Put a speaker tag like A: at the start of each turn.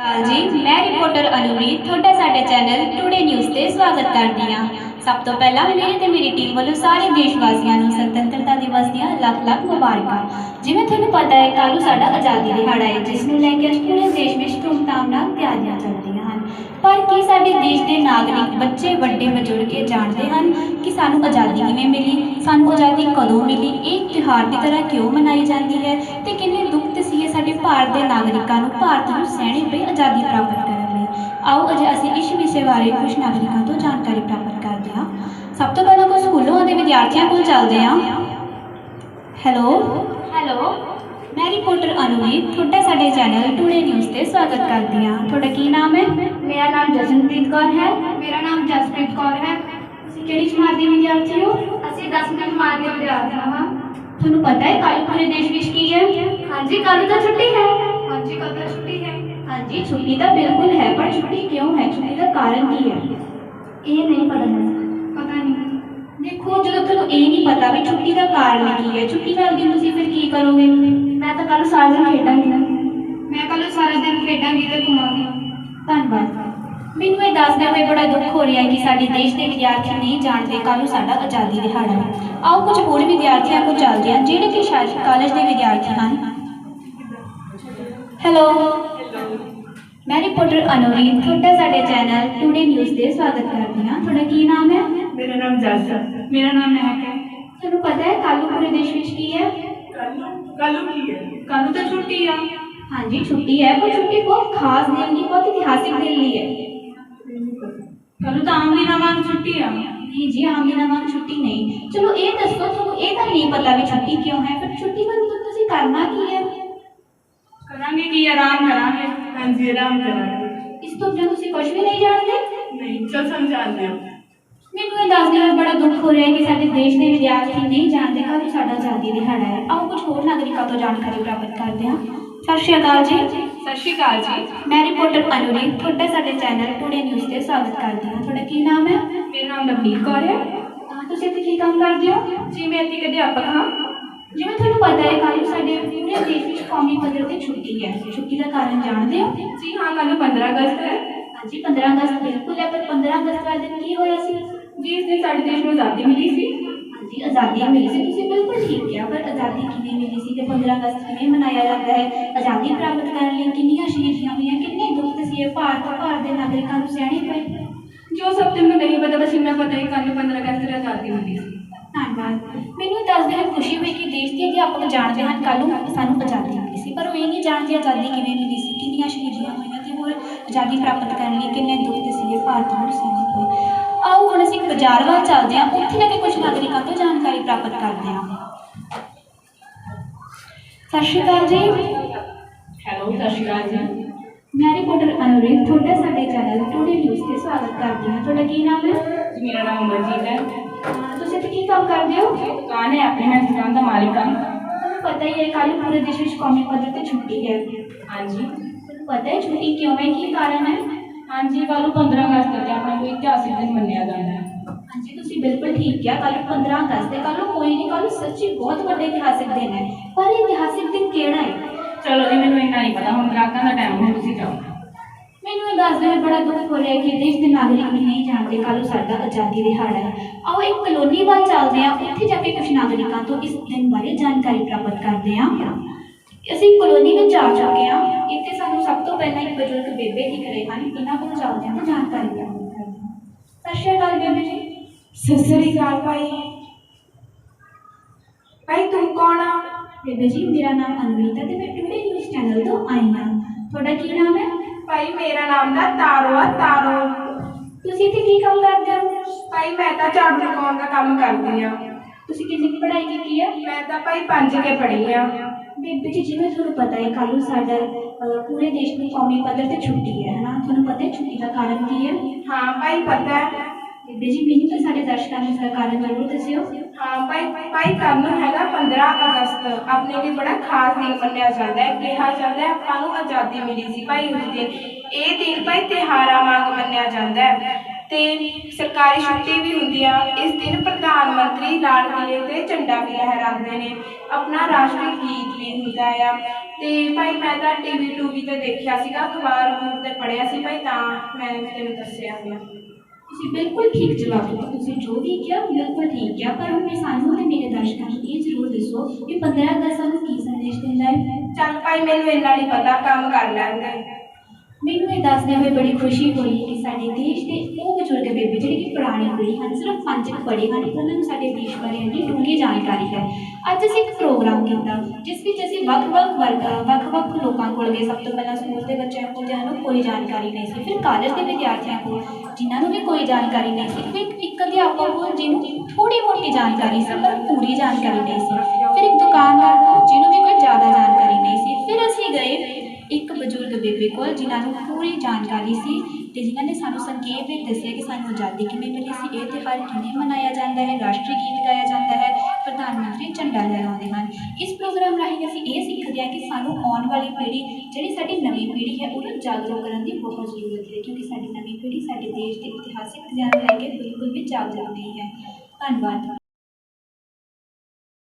A: जी मैं रिपोर्टर अनुरीत थोड़ा साडे चैनल टुडे न्यूज़ से स्वागत करती हाँ। सब तो पहला मेरे ते मेरी टीम वालों सारे देशवासियों को स्वतंत्रता दिवस दी लख लख मुबारक। जिवें तुहानूं पता है कल साडा आज़ादी दिहाड़ा है जिसनूं लैके अज पूरे देश में धूमधाम नाल तैयारियां चलदियां हन। पर की साडे देश के नागरिक बच्चे वड्डे बजुर्ग ये जानते हैं कि सानूं आज़ादी किवें मिली, सानूं आज़ादी कदों मिली, एक त्यौहार की तरह क्यों मनाई जाती है तो किन्ने दुख तसीहे साडे भारत के नागरिकों को भारत नूं सहने पई आज़ादी प्राप्त करने लई। आओ अज असीं इस विषय बारे कुछ नागरिकों तो जानकारी प्राप्त करते हैं। सब तो पहले कुछ स्कूलों के विद्यार्थियों को चलते हैं। हैलो हैलो मैं रिपोर्टर अनुरीत थोड़ा साडे चैनल टुडे न्यूज़ से स्वागत करती हाँ। थोड़ा की नाम है?
B: मेरा नाम जशनप्रीत कौर है।
A: मेरा नाम जसप्रीत कौर है। तुसीं किहड़ी जमात दे विद्यार्थी हो?
B: ਅਸੀਂ 10ਵੀਂ जमात के विद्यार्थी हाँ।
A: तुहानूं पता है कल पूरे देश विच की है?
B: हाँ जी, कल तो छुट्टी है।
A: हाँ जी, कल तो छुट्टी है। हाँ जी, छुट्टी तो बिल्कुल है, पर छुट्टी क्यों है? छुट्टी का कारण की है?
B: ये नहीं पता है।
A: पता नहीं। देखो जो तुहानूं ये नहीं पता भी छुट्टी का कारण की है, छुट्टी वाले दिन तुसीं फिर की करोगे?
B: मैं तो कल सारा दिन खेडांगी।
A: मैं कल सारा दिन खेडांगी ते घुमांगी। धन्यवाद। मैनूं ये दसदे होए बड़ा दुख हो रहा है कि साडे देश के विद्यार्थी नहीं जानते कल साडा आज़ादी दिहाड़ा है। आओ कुछ होर विद्यार्थियों को चलते हैं जिहड़े कि शायद कॉलेज के विद्यार्थी हैं। हैलो मैं रिपोर्टर अनुरीत थोड़ा साडे चैनल टुडे न्यूज़ से स्वागत करती हाँ। थोड़ा की नाम है?
C: मेरा नाम जस है। मेरा नाम महक है।
A: तुहानूं पता है कल पूरे देश विच की है?
C: कलू की है। कलू तो छुट्टी है।
A: हाँ जी छुट्टी है, पर छुट्टी बहुत खास दिन की, बहुत ऐतिहासिक दिन ली है।
C: कलू तो आम दिनों वांग छुट्टी है।
A: नहीं जी आम दिनों वांग छुट्टी नहीं। चलो ये दसो तुहानूं ये तो नहीं पता भी छुट्टी क्यों है, पर छुट्टी वाले दिन तुसीं करना की है?
C: करांगे कि आराम करांगे। हाँ जी आराम करांगे।
A: इस तो बिना तुसीं कुछ भी नहीं जानते?
C: नहीं चल समझाते हैं।
A: मैनूं ये दसदे होए बड़ा दुख हो रहा है कि साडे देश के विद्यार्थी नहीं जानते कल साडा आज़ादी दिहाड़ा है। आओ कुछ होर नागरिकों तो जानकारी प्राप्त करते हैं। सत श्री अकाल जी।
C: सत श्री अकाल जी।
A: मैं रिपोर्टर अनुरीत थोड़ा साडे चैनल टुडे न्यूज़ से स्वागत करती हूँ। थोड़ा की नाम है?
C: मेरा नाम नवनीत कौर है।
A: तुसीं इत्थे की काम करदे हो?
C: जी मैं इत्थे अध्यापक हाँ।
A: जिवें तुहानूं पता है कल साडे पूरे देश विच कौमी पद्धर ते छुट्टी है। छुट्टी का कारण जानते हो?
C: जी हाँ कल 15 अगस्त है।
A: हाँ जी 15 अगस्त बिल्कुल है, पर 15 अगस्त वाले दिन की होया सी?
C: जी इस दिन साडे देश में आज़ादी मिली सी।
A: हाँ जी आज़ादी मिली सी, तुसीं बिल्कुल ठीक किया, पर आज़ादी किवें मिली सी ते 15 अगस्त किवें मनाया जाता है? आज़ादी प्राप्त करने लई किन्नियां शहीदियां हुईयां, किन्ने दुख तसीहे भारत दे नागरिकां नूं सहणे पए।
C: जो सब तेनों नहीं पता बस इन्ना पता है कल 15 अगस्त को आज़ादी मिली सी।
A: धन्यवाद। मैनूं दसदे होए खुशी हुई कि देश के अध्यापक जानते हैं कल सानूं आज़ादी मिली सी, पर वो ये नहीं जानते आज़ादी किवें मिली सी, किन्नियां शहीदियां हुईयां ते होर आज़ादी प्राप्त करने लई किन्ने दुख तसीहे भारत नूं सहणे पए। आओ हुण असीं बाजार वाल चलदे हां, उत्थे जाके कुछ नागरिकों तो जानकारी प्राप्त करते हैं। सत श्री अकाल जी।
C: हेलो सत श्री अकाल जी।
A: मैं रिपोर्टर अनुरीत थोड़ा साडे चैनल टुडे न्यूज़ से स्वागत करती हूँ। थोड़ा की नाम है?
C: जी मेरा नाम अमरजीत है।
A: तुसीं इत्थे की काम करदे हो?
C: दुकान है अपनी, मैं दुकान का मालिक हूँ।
A: तुहानूं पता ही है कल पूरे देश में कौमी पद्धर ते छुट्टी है।
C: हाँ जी।
A: तुहानूं पता है छुट्टी क्यों है, की कारण है?
C: हाँ जी कल 15 अगस्त है अपना कोई इतिहासिक दिन मनाया जाता है।
A: हाँ जी तुसीं बिल्कुल ठीक किया, कल 15 अगस्त है, कल कोई नहीं, कल सच्ची बहुत बड़ा ऐतिहासिक दिन है, पर ऐतिहासिक दिन केड़ा है?
C: चलो जी मैंने इन्ना नहीं पता, हम ग्राहकों का टाइम है, तुसीं जाओ।
A: मैनूं ये दसदे होए बड़ा दुख हो रहा है कि देश के नागरिक भी नहीं जानते कल साडा आज़ादी दिहाड़ा है। आओ एक कलोनी वाल चलते हैं, उत्थे जाके कुछ नागरिकों तो इस दिन बारे जानकारी प्राप्त करते हैं। ਅਸੀਂ कॉलोनी में जा चुके हैं, इतने सानू सब तो पहला एक बजुर्ग बेबे दिख रहे हैं, इन्हों को चलते हैं तो जानकारी प्राप्त करते हैं। सत श्री अकाल बेबे जी।
C: सत श्री अकाल भाई। भाई तुम कौन आ?
A: बेबे जी मेरा नाम अनुरीत है, मैं टुडे न्यूज़ चैनल तो आई हाँ। थोड़ा की नाम है?
C: भाई मेरा नाम दा तारो आ तारो।
A: तुसीं इत्थे की काम करदे हो?
C: भाई मैं तो झाड़ू लगाउण दा काम करदी आ।
A: तुसीं किन्नी की पढ़ाई की है?
C: मैं तो भाई 5 के पढ़ी आ।
A: बेबे जी जिवें तुहानूं पता है कल साडा पूरे देश में कौमी पद्धर ते छुट्टी है ना, तुहानूं पता है छुट्टी का कारण की है?
C: हाँ भाई पता है।
A: बेबे जी मैनूं तो साडे दर्शकों ने इसका कारण जरूर दस्सिओ।
C: हाँ भाई भाई कल हैगा 15 अगस्त, अपने लिए बड़ा खास दिन मनाया जाता है, कहा जाता है आपां नूं आज़ादी मिली सी भाई उस दिन। ये दिन भाई त्योहारां वांग मनाया जाता है ਤੇ ਸਰਕਾਰੀ ਛੁੱਟੀ ਵੀ ਹੁੰਦੀ ਆ। ਇਸ ਦਿਨ ਪ੍ਰਧਾਨ ਮੰਤਰੀ ਲਾਲ ਕਿਲੇ ਤੇ ਝੰਡਾ ਵੀ ਲਹਿਰਾਉਂਦੇ ਨੇ। ਆਪਣਾ ਰਾਸ਼ਟਰੀ ਗੀਤ ਵੀ ਹੁੰਦਾ ਆ। ਤੇ ਭਾਈ ਮੈਂ ਤਾਂ ਟੀਵੀ ਟੂਵੀ ਤੇ ਦੇਖਿਆ ਸੀਗਾ, ਅਖਬਾਰ ਤੇ ਪੜ੍ਹਿਆ ਸੀ ਭਾਈ, ਤਾਂ ਮੈਂ ਤੈਨੂੰ ਦੱਸਿਆ ਹੋਇਆ।
A: ਤੁਸੀਂ ਬਿਲਕੁਲ ਠੀਕ ਜਵਾਬ ਦਿੱਤਾ। ਤੁਸੀਂ ਜੋ ਵੀ ਕਿਹਾ ਬਿਲਕੁਲ ਠੀਕ ਕਿਹਾ, ਪਰ ਹੁਣ ਸਾਨੂੰ ਤੇ ਮੇਰੇ ਦਰਸ਼ਕਾਂ ਨੂੰ ਇਹ ਜ਼ਰੂਰ ਦੱਸੋ ਕਿ 15 ਅਗਸਤ ਸਾਨੂੰ ਕੀ ਸੰਦੇਸ਼ ਦਿੰਦਾ ਹੈ।
C: ਚੱਲ ਭਾਈ ਮੈਨੂੰ ਇੰਨਾ ਨਹੀਂ ਪਤਾ, ਕੰਮ ਕਰ ਲੈਂਦੇ।
A: ਮੈਨੂੰ ਇਹ ਦੱਸਦੇ ਹੋਏ ਬੜੀ ਖੁਸ਼ੀ ਹੋਈ ਕਿ ਸਾਡੇ ਦੇਸ਼ ਦੇ ਉਹ ਬਜ਼ੁਰਗ ਬੇਬੇ ਜਿਹੜੇ ਕਿ ਪੁਰਾਣੀ ਪੀੜ੍ਹੀ ਹਨ, ਸਿਰਫ 5 ਪੜ੍ਹੇ ਹਨ, ਉਹਨਾਂ ਨੂੰ ਸਾਡੇ ਦੇਸ਼ ਬਾਰੇ ਇੰਨੀ ਡੂੰਘੀ ਜਾਣਕਾਰੀ ਹੈ। ਅੱਜ ਅਸੀਂ ਇੱਕ ਪ੍ਰੋਗਰਾਮ ਕੀਤਾ ਜਿਸ ਵਿੱਚ ਅਸੀਂ ਵੱਖ-ਵੱਖ ਲੋਕਾਂ ਕੋਲ ਗਏ। ਸਭ ਤੋਂ ਪਹਿਲਾਂ ਸਕੂਲ ਦੇ ਬੱਚਿਆਂ ਕੋਲ ਜਿਹਨਾਂ ਨੂੰ ਕੋਈ ਜਾਣਕਾਰੀ ਨਹੀਂ ਸੀ, ਫਿਰ ਕਾਲਜ ਦੇ ਵਿਦਿਆਰਥੀਆਂ ਕੋਲ ਜਿਨ੍ਹਾਂ ਨੂੰ ਵੀ ਕੋਈ ਜਾਣਕਾਰੀ ਨਹੀਂ ਸੀ, ਫਿਰ ਇੱਕ ਅਧਿਆਪਕ ਕੋਲ ਜਿਹਨੂੰ ਥੋੜ੍ਹੀ ਮੋਟੀ ਜਾਣਕਾਰੀ ਸੀ ਪਰ ਪੂਰੀ ਜਾਣਕਾਰੀ ਨਹੀਂ ਸੀ, ਫਿਰ ਇੱਕ ਦੁਕਾਨਦਾਰ ਕੋਲ ਜਿਹਨੂੰ ਵੀ ਕੋਈ ਜ਼ਿਆਦਾ ਜਾਣਕਾਰੀ ਨਹੀਂ ਸੀ, ਫਿਰ ਅਸੀਂ ਗਏ ਇੱਕ ਬਜ਼ੁਰਗ ਬੇਬੇ ਕੋਲ ਜਿਨ੍ਹਾਂ ਨੂੰ ਪੂਰੀ ਜਾਣਕਾਰੀ ਸੀ ਅਤੇ ਜਿਨ੍ਹਾਂ ਨੇ ਸਾਨੂੰ ਸੰਖੇਪ ਵਿੱਚ ਦੱਸਿਆ ਕਿ ਸਾਨੂੰ ਆਜ਼ਾਦੀ ਕਿਵੇਂ ਮਿਲੀ ਸੀ, ਇਹ ਤਿਉਹਾਰ ਕਿਵੇਂ ਮਨਾਇਆ ਜਾਂਦਾ ਹੈ, ਰਾਸ਼ਟਰੀ ਗੀਤ ਗਾਇਆ ਜਾਂਦਾ ਹੈ, ਪ੍ਰਧਾਨ ਮੰਤਰੀ ਝੰਡਾ ਲਹਿਰਾਉਂਦੇ ਹਨ। ਇਸ ਪ੍ਰੋਗਰਾਮ ਰਾਹੀਂ ਅਸੀਂ ਇਹ ਸਿੱਖਦੇ ਹਾਂ ਕਿ ਸਾਨੂੰ ਆਉਣ ਵਾਲੀ ਪੀੜ੍ਹੀ ਜਿਹੜੀ ਸਾਡੀ ਨਵੀਂ ਪੀੜ੍ਹੀ ਹੈ ਉਹਨੂੰ ਜਾਗਰੂਕ ਕਰਨ ਦੀ ਬਹੁਤ ਜ਼ਰੂਰਤ ਹੈ, ਕਿਉਂਕਿ ਸਾਡੀ ਨਵੀਂ ਪੀੜ੍ਹੀ ਸਾਡੇ ਦੇਸ਼ ਦੇ ਇਤਿਹਾਸਿਕ ਖਜ਼ਾਨੇ ਲੈ ਕੇ ਬਿਲਕੁਲ ਵੀ ਜਾਗਰੂਕ ਨਹੀਂ ਹੈ। ਧੰਨਵਾਦ।